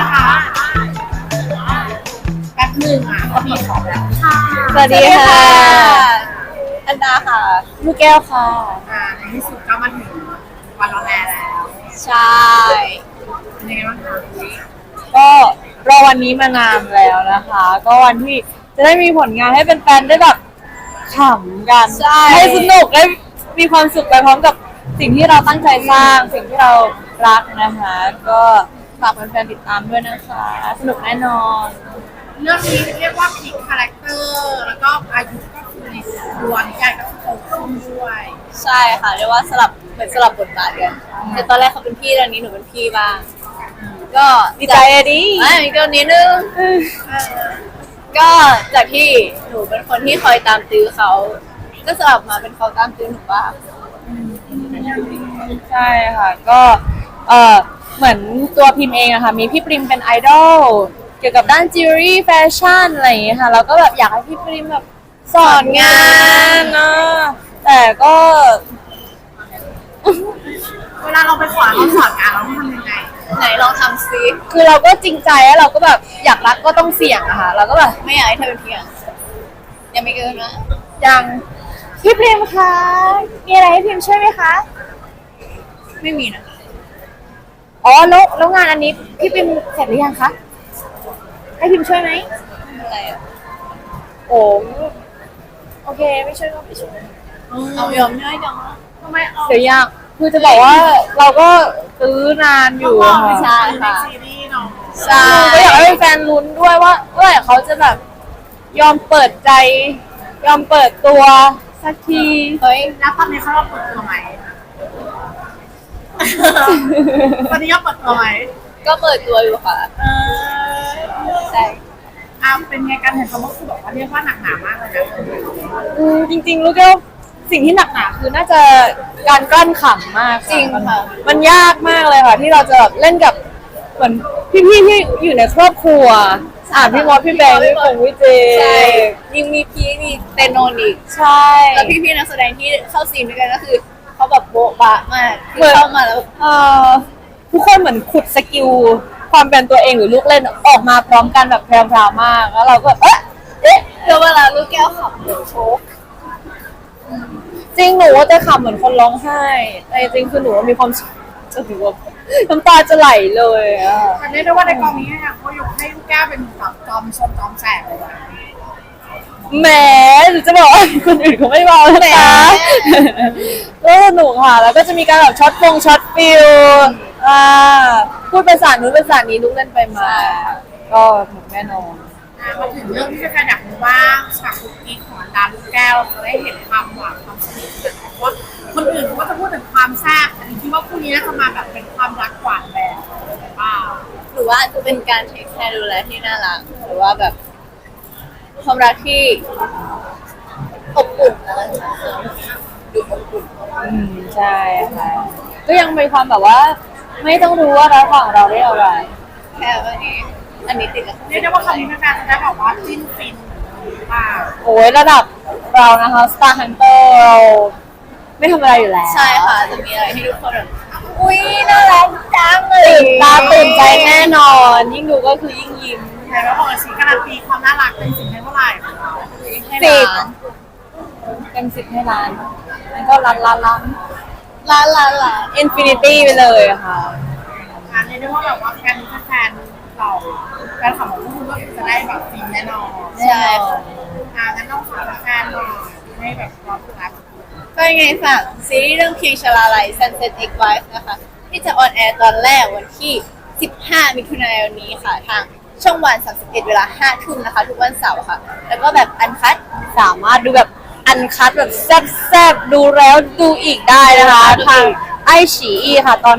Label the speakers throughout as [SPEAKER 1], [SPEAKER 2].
[SPEAKER 1] นะคะแป๊บหนึ่งก็มีของแล้วค่ะ
[SPEAKER 2] สวัสดีค่ะ
[SPEAKER 3] อันดาค่ะ
[SPEAKER 2] ลูกแก้วค่ะ
[SPEAKER 1] ในที่สุดก็มาถึงวันรอแลแล้ว
[SPEAKER 3] ใช่
[SPEAKER 1] เป็นยังไงบ้างคะ
[SPEAKER 2] ก็รอวันนี้มานานแล้วนะคะ ก็วันที่จะได้มีผลงานให้เป็นแฟนๆได้แบบขำกันให้สนุกได้มีความสุขไปพร้อมกับสิ่งที่เราตั้งใจสร้างสิ่งที่เรารักนะคะ ก็ฝากแฟนๆติดตามด้วยนะคะ สนุกแน่นอน
[SPEAKER 1] เรื่องนี้เรียกว่าพลิกคาแรคเตอร์แล้วก็อายุก็คือในตัวนิยายก็คือโตขึ้นด้วย
[SPEAKER 3] ใช่ค่ะเรียกว่าเหมือนสลับบทบาทกันแต่ตอนแรกเขาเป็นพี่ตอนนี้หนูเป็นพี่บ้างก็
[SPEAKER 2] ดีใจอะดิ
[SPEAKER 3] มีตัวนี้นึงก็จากที่หนูเป็นคนที่คอยตามตื้อเขาก็สลับมาเป็นเขาตามตื้อหนูบ้าง
[SPEAKER 2] ใช่ค่ะก็เหมือนตัวพิมพ์เองอะค่ะมีพี่ปริมเป็นไอดอลเกี่ยวกับด้านจิวเวลรี่แฟชั่นอะไรอย่างเงี้ยค่ะเราก็แบบอยากให้พี่ปริมแบบสอนงานนะแต่ก็
[SPEAKER 1] เวลาเราไปขอเขาสอนงานเราต้องทำยังไง
[SPEAKER 3] ไหนลองทำซิ
[SPEAKER 2] คือเราก็จริงใจแล้วเราก็แบบอยากรักก็ต้องเสี่ยงอะค่ะเราก็แบบ
[SPEAKER 3] ไม่อยากให้เธอเป็นพี่อ่ะยังไม่เกินนะ
[SPEAKER 2] ยังพี่ปริมคะมีอะไรให้พิมช่วยไหมคะ
[SPEAKER 3] ไม่มีนะ
[SPEAKER 2] อ๋อแล้วงานอันนี้พี่ปริมเสร็จหรือยังคะให้พิมช่วยไหม
[SPEAKER 3] ไม่เป็นไรอ่ะ
[SPEAKER 2] โอ้โอเคไม่ช่วยก็ไม่ช่วย
[SPEAKER 3] เอายอมง่ายจังนะ
[SPEAKER 1] ทำไมเอา
[SPEAKER 2] เดี๋ยวยากคือจะบอกว่าเราก็ซื้อนานอยู่
[SPEAKER 1] ต้
[SPEAKER 2] อะ
[SPEAKER 1] องรอไป
[SPEAKER 2] ค่ะ
[SPEAKER 1] ในซีรีส์เนาะ
[SPEAKER 3] ใช่
[SPEAKER 2] ก็อยากให้แฟนๆลุ้นด้วยว่าเมื่อไหร่เขาจะแบบยอมเปิดใจ ยอมเปิดตัวสักที
[SPEAKER 3] เฮ้ย
[SPEAKER 1] แล้วตอนนี้เขาเราเปิดตัวไหมตอนนี้เขาเปิดตัวไหม
[SPEAKER 3] ก็เปิดตัวอยู่ค่ะ
[SPEAKER 1] เออ
[SPEAKER 3] ใช่
[SPEAKER 1] เป็นไงการเห็นเขาก็คือแบบว่าเรียกว่าหนักหนามากเลยนะ
[SPEAKER 2] จริงๆรู้แค่ว่าสิ่งที่หนักหนาคือน่าจะการกลั้นขำมาก
[SPEAKER 3] จริงค่ะ
[SPEAKER 2] มันยากมากเลยค่ะ ที่เราจะแบบเล่นกับเหมือนพี่ๆที่อยู่ในครอบครัวพี่มอสพี่แบงค์พี่คงพี่เจ
[SPEAKER 3] ใช่ยิ่งมีพี่มีเตโนนอีก
[SPEAKER 2] ใช่
[SPEAKER 3] แล้วพี่ๆนักแสดงที่เข้าซีนด้วยกันก็คือเขาแบบโบ๊ะบะมากคือ
[SPEAKER 2] เหมือน
[SPEAKER 3] เข้ามาแล้ว
[SPEAKER 2] ทุกคนเหมือนขุดสกิลความเป็นตัวเองหรือลูกเล่นออกมาพร้อมกันแบบแพรวๆมากแล้วเราก็แบบเอ๊ะ
[SPEAKER 3] แล้วเวลาลูกแก้วขับหนูโชก
[SPEAKER 2] จริงหนูว่าจะขำเหมือนคนร้องไห้แต่จริงคือหนูว่ามีความสุขจะถือว่าน้ำตาจะไหลเลยอะ
[SPEAKER 1] แต่เรียกได้ว่าในกองนี้เนี่ยเขายกให้ลูกแก้วเป็นแบบจอมชนจอมแสบเลยนะ
[SPEAKER 2] แหมหนูจะบอกว่าคนอื่นเขาไม่เบาแล้วนะก็สนุกค่ะแล้วก็จะมีการแบบช็อตฟิลพูดภาษานู้นภาษานี้ลูกเล่นไปมาก็หนุกแน่นอน
[SPEAKER 1] มาถึงเรื่องที่แฟนๆอยากรู้ว่าฉากคุกกี้ของอันดาลูกแก้วจะได้เห็นความหวานความสนิทกันเพราะว่าคนอื่นเขาก็จะพูดถึงความแซ่บแต่จริงๆว่าคู่นี้น่าจะมาแบบเป็นความรักหวานแบบหรือเปล่า
[SPEAKER 3] หรือว่าจะเป็นการเทคแคร์ดูแลที่น่ารักหรือว่าแบบความรักที่อบอุ่นอะไรอย่างเงี้ยดูอบอุ่น
[SPEAKER 2] ใช่ค่ะก็ยังมีความแบบว่า ไม่ต้องรู้ว่าระหว่างเราได้อะไร
[SPEAKER 3] แค่ว่านี้อันนี้ติดกับ
[SPEAKER 1] เรียกได้ว่าคำนี้แฟนๆจะได้แบบว่าจิ้นฟินหรือเปล่า
[SPEAKER 2] โอ้ยระดับเรานะคะ Star Hunter เราไม่ธรรมดาอยู่แล้ว
[SPEAKER 3] ใช่ค่ะจะมีอะไรให้ทุกคนแบบอุ้ยน่ารักจังเลย
[SPEAKER 2] ตื่นตาตื่นใจแน่นอน ยิ่งดูก็คือยิ่งยิ้ม
[SPEAKER 1] แต่ว่าบอกเลยสิการันตีความน่ารักเป็นสิ่งให้เท่าไหร่ของเรา
[SPEAKER 3] ให้
[SPEAKER 2] สิบ
[SPEAKER 3] ร้าน
[SPEAKER 2] เต็ม10ให้ล้านแล้วก็ล้าน
[SPEAKER 3] ร้าน
[SPEAKER 2] อินฟินิตี้ไปเลยค่ะ
[SPEAKER 1] เรียกได้ว่าแบบว่าแฟนเราแฟนของพวกคุณก็จะได้แบบฟินแน่นอน
[SPEAKER 3] ใช่ค่ะ
[SPEAKER 1] งั้นต้องฝากแฟนหน่อยให้แบบรอรับ
[SPEAKER 3] ก็ยังไงฝากซีรีส์เรื่องเพียงชลาลัย Sunset X Wife นะคะที่จะออนแอร์ตอนแรกวันที่ 15 มิถุนายนนี้ค่ะ ทางช่องวัน 31 เวลา 5 ทุ่มนะคะ ทุกวันเสาร์ค่ะ แล้วก็แบบอันคัด
[SPEAKER 2] สามารถดูแบบอันคัดแบบแซ่บๆ ดูแล้วดูอีกได้นะคะ ทางไอฉีอีค่ะ ตอน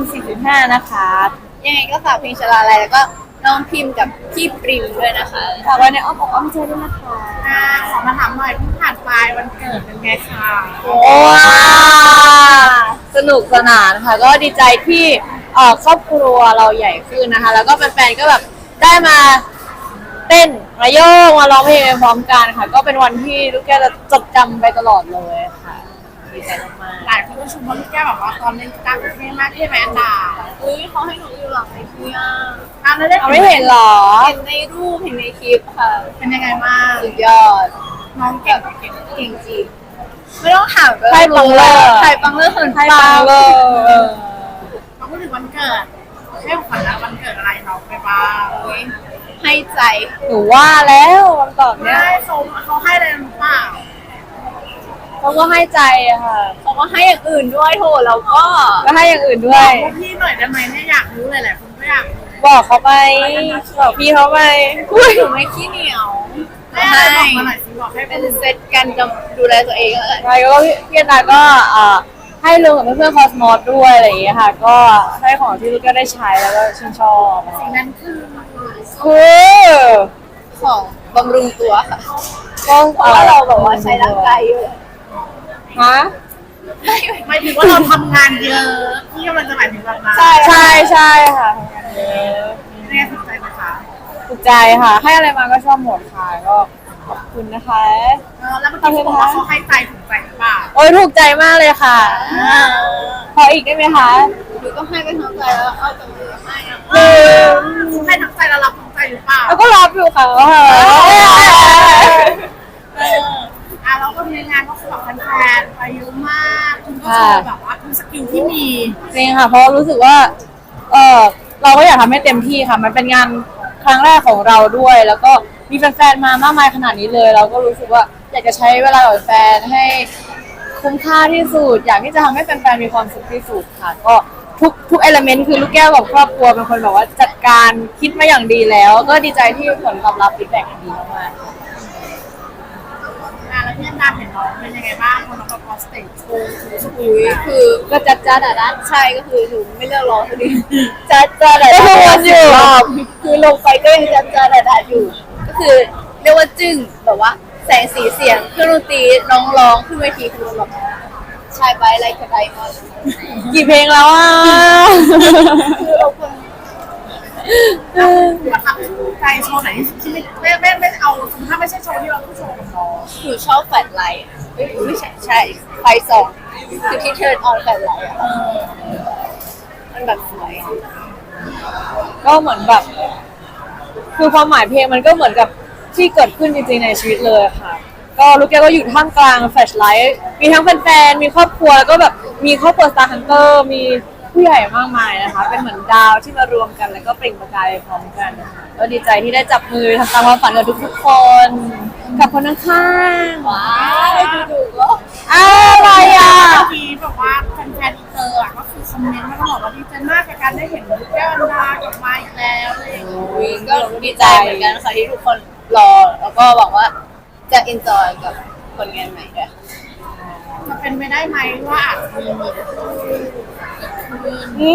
[SPEAKER 2] 5:45นะคะ
[SPEAKER 3] ยังไงก็ฝากเพียงชลาลัยแล้วก็น้องพิมพ์กับพี่ปริมด้วยนะคะ
[SPEAKER 2] ฝากไว้ในอ้อมอกอ้อมใจด้วยนะคะ
[SPEAKER 1] ขอมาถามหน่อยเพิ่งผ่านไปวันเกิดเป็นไงคะ
[SPEAKER 2] ว้าสนุกสนานค่ะ ก็ดีใจที่ครอบครัวเราใหญ่ขึ้นนะคะ แล้วก็แฟนๆก็แบบได้มาเต้นมาโยกมาร้องเพลงพร้อมกันค่ะ ก็เป็นวันที่ลูกแก้วจะจดจำไปตลอดเลยค่ะดีใจมาก
[SPEAKER 1] หลายคนก็ชมว่าลูกแก้วแบบว่าตอนเล่นกีตาร์เท่มากเท่ไหมอันดา
[SPEAKER 3] อุ้ยเขาให้หนูอยู่หลังเวทีอ่ะ
[SPEAKER 1] อ่ะแล้วได้
[SPEAKER 2] ๆเอาไม่เห็นเหรอ
[SPEAKER 3] เห็นในรูปเห็นในคลิปค่ะ
[SPEAKER 1] เป็นยังไงบ้าง
[SPEAKER 3] สุดยอด
[SPEAKER 1] น้องเก่งเก่ง
[SPEAKER 3] เก่งจริงไม่ต้องถามก็
[SPEAKER 2] ไทยปังเลอร์
[SPEAKER 3] ไทยปังเลอร์คน
[SPEAKER 2] ไทยปังเลย
[SPEAKER 1] เราพูดถึงวันเกิดให้ของขวัญแล้ววันเกิดอะไรน้องไปบ้าง
[SPEAKER 3] ให้ใจ
[SPEAKER 2] หนูว่าแล้วคำตอบเนี้ย
[SPEAKER 1] ได้เขาให้อะไรหรือเปล่า
[SPEAKER 2] เขาก็ให้ใจอะค่ะ
[SPEAKER 3] เขาก็ให้อย่างอื่นด้วยโถเราก็
[SPEAKER 2] ก็ให้อย่างอื่นด้
[SPEAKER 1] บ
[SPEAKER 2] ว
[SPEAKER 1] อย กพวกพี่หน่อยได้ไหมเนี่ยอยากรู้เลยแหละคุณก็อยากรู้
[SPEAKER 2] บอกเขาไปบอกพี่เขาไปอุ้ย
[SPEAKER 3] หนูไม่ขี้เหนียว
[SPEAKER 1] ให้อะไรบอกมาหน่อยสิบอกให้
[SPEAKER 3] เป็
[SPEAKER 1] เป็น
[SPEAKER 3] นเซตกันจะดูแลตัวเองแล้วกัน
[SPEAKER 2] ใช่ก็พี่นาก็ให้ลุงกับเพื่อนๆคอสมอสด้วยอะไรอย่างเงี้ยค่ะ ก็ให้ของที่ลูกก็ได้ใช้แล้วก็ชื่นชอบ
[SPEAKER 1] สิ่งนั้นคือ
[SPEAKER 2] คือ
[SPEAKER 3] ของบำรุงตัวค่ะ
[SPEAKER 2] ก็
[SPEAKER 3] เพราะว่าเราแบบว่าใช้ร่างกายเยอะ
[SPEAKER 2] ฮะ
[SPEAKER 1] หมายถึงว่าเราทำงานเยอะพี่กำลังจะหมายถึงแบบนั้น
[SPEAKER 2] ใช่ใช่ค่ะทำงานเยอะ
[SPEAKER 1] เนี่ยถูกใจไหมคะ
[SPEAKER 2] ถูกใจค่ะ ให้อะไรมาก็ชอบหมดค่ะก็ขอบคุณนะคะ
[SPEAKER 1] แล้วเมื่อกี้เขาบอกว่าเขาให้ใจถูกใจหรือเปล่า
[SPEAKER 2] โอ้ยถูกใจมากเลยค่ะ พออีกได้ไหมคะ
[SPEAKER 3] หนูก็ให้ไปทั้งใจแล้วเอาแต่มือให้อะ
[SPEAKER 1] เขาให้ทั้งใจแล้วรับทั้งใจหรือเปล่า
[SPEAKER 2] แล้วก็รับอยู่ค่ะ
[SPEAKER 1] แล้วก็ในงานก็คือแบบแฟนๆไปเยอะมากคุณก็โชว์แบบว่าทุกสกิลที่มี
[SPEAKER 2] จริงค่ะ เพราะรู้สึกว่า เราก็อยากทำให้เต็มที่ค่ะ มันเป็นงานครั้งแรกของเราด้วย แล้วก็มีแฟนๆมามากมายขนาดนี้เลย เราก็รู้สึกว่าอยากจะใช้เวลากับแฟนให้คุ้มค่าที่สุด อยากที่จะทำให้แฟนๆมีความสุขที่สุดค่ะ ก็ทุกเอลเมนต์คือลูกแก้วกับครอบครัวเป็นคนแบบว่าจัดการคิดมาอย่างดีแล้ว ก็ดีใจที่ผลตอบรับฟีดแบ็กดีมากๆ
[SPEAKER 1] แล้วพี่ดาเห็นน้องเป็นยังไงบ้างพอน้องมาพอสเตจโชว์สกิล
[SPEAKER 3] อุ้ยคือ
[SPEAKER 2] ก็จัดอ่ะนะ
[SPEAKER 3] ใช่ก็คือหนูไม่เลือกร้องคนนี้จัดจ้าแต่
[SPEAKER 2] ก็วนอยู่
[SPEAKER 3] คือลงไปก็ยังจัดจ้าแต่อยู่ ก็คือเรียกว่าจึ้งแบบว่าแสงสีเสียงเครื่องดนตรีน้องร้องขึ้นเวทีคือแบบชายไปอะไรกระไดมาก
[SPEAKER 2] กี่เพลงแล้วอ่ะ
[SPEAKER 3] คือเราคน
[SPEAKER 1] ประทับใจโชว์ไหนที่ไม่เอาถ้าไม่ใช่โชว์ที่เราต้องโชว์กับน้อง
[SPEAKER 3] หนูชอบแฟลชไลท์ไม่ใช่ไฟสองคือที่เทิร์นออนแฟลชไลท์อะมันแบบสวย
[SPEAKER 2] ก็เหมือนแบบ คือความหมายเพลงมันก็เหมือนกับที่เกิดขึ้นจริงๆในชีวิตเลยค่ะ ก็ลูกแก้วก็อยู่ท่ามกลางแฟลชไลท์มีทั้งแฟนๆมีครอบครัวแล้วก็แบบมีครอบครัว Star Hunter มีผู้ใหญ่มากมายนะคะ เป็นเหมือนดาวที่มารวมกันแล้วก็เปล่งประกายพร้อมกันนะคะก็ดีใจที่ได้จับมือทำตามความฝันกับทุกๆคนกับคนข้างๆ
[SPEAKER 3] ว้าวดูๆก็
[SPEAKER 2] อะไรอ่ะ
[SPEAKER 1] เมื่อกี้บอกว่าแฟนๆอินเตอร์ก็คือคอมเมนต์มาตลอดว่าดีใจมากกับการได้เห็นลูกแก้วอันดากลับมาอีกแล้วอะไรอย่างเงี้ย
[SPEAKER 3] อุ๊ยก็ดีใจเหมือนกันค่ะที่ทุกคนรอแล้วก็หวังว่าจะเอนจอยกับผลงานใหม่ด้วยค่ะ
[SPEAKER 1] จะเป็นไปได้ไหมว่าอาจจะมี
[SPEAKER 2] อื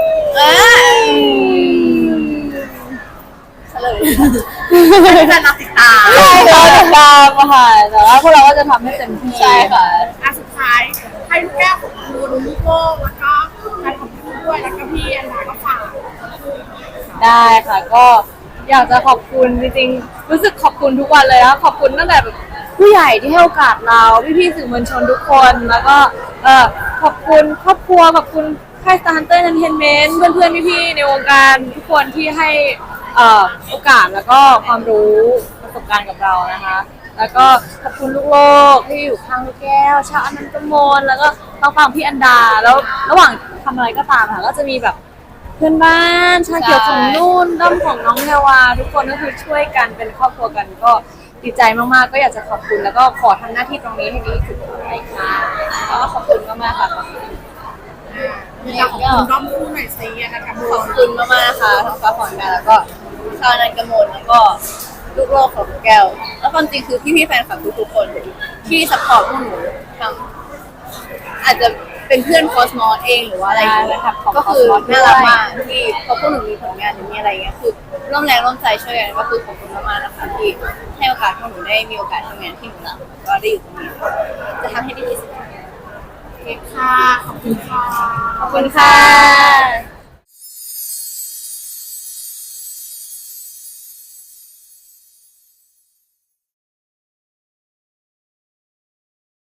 [SPEAKER 2] ม
[SPEAKER 3] เฉลย
[SPEAKER 1] ให้แฟนๆเราติดตาม
[SPEAKER 2] ใช่เราติดตามอะค่ะแต่ว่าพวกเราก็จะทำให้เต็มที่
[SPEAKER 3] ใช่ค่ะ
[SPEAKER 1] สุดท้ายให้ลูกแก้วของคุณลูกโก้แล้วก็แฟนของคุณด้วยแล้วก็พี่อันดาก็ฝาก
[SPEAKER 2] ได้ค่ะ ก็อยากจะขอบคุณจริงๆรู้สึกขอบคุณทุกวันเลยนะขอบคุณตั้งแต่แบบผู้ใหญ่ที่ให้โอกาสเราพี่ๆสื่อมวลชนทุกคนแล้วก็ขอบคุณครอบครัวขอบคุณค่าย Star Hunter Entertainment เพื่อนๆพี่ๆในวงการทุกคนที่ให้โอกาสแล้วก็ความรู้ประสบการณ์กับเรานะคะ แล้วก็ขอบคุณลูกโลกที่อยู่ข้างลูกแก้วชาวอนันตมนแล้วก็ต้องฟังพี่อันดาแล้วระหว่างทำอะไรก็ตามค่ะก็จะมีแบบเพื่อนบ้านชาเขียวของนุ่นด้อมของน้องแพรวาทุกคนก็คือช่วยกันเป็นครอบครัวกันก็ดีใจมากๆก็อยากจะขอบคุณแล้วก็ขอทำหน้าที่ตรงนี้ให้ดีที่สุดไปค่ะแล้วก็ขอบคุณมากๆค่ะขอบคุณ
[SPEAKER 1] อยากขอบคุณด้อมคู่หน่อยสินะคะ
[SPEAKER 3] ขอบคุณมากๆนะคะทั้งฟ้าผ่อนกันแล้วก็ชาวนันกมลแล้วก็ลูกโลกของแก้ว แล้วความจริงคือพี่ๆแฟนคลับทุกๆคนที่สปอร์ตพวกหนูทั้งอาจจะเป็นเพื่อนคอสมอสเองหรือว่าอะไรอย่างเงี้ยก็คือน่ารักมากที่พอพวกหนูมีผลงานหรือมีอะไรเงี้ยคือร่วมแรงร่วมใจช่วยกันก็คือขอบคุณมากๆนะคะที่ให้โอกาสพวกหนูได้มีโอกาสทำงานที่หนูรักก็ได้อยู่ตรงนี้จะทำให้ดีที่สุด
[SPEAKER 1] ค่ะขอบคุณค่ะ
[SPEAKER 2] ขอบคุณค่ะ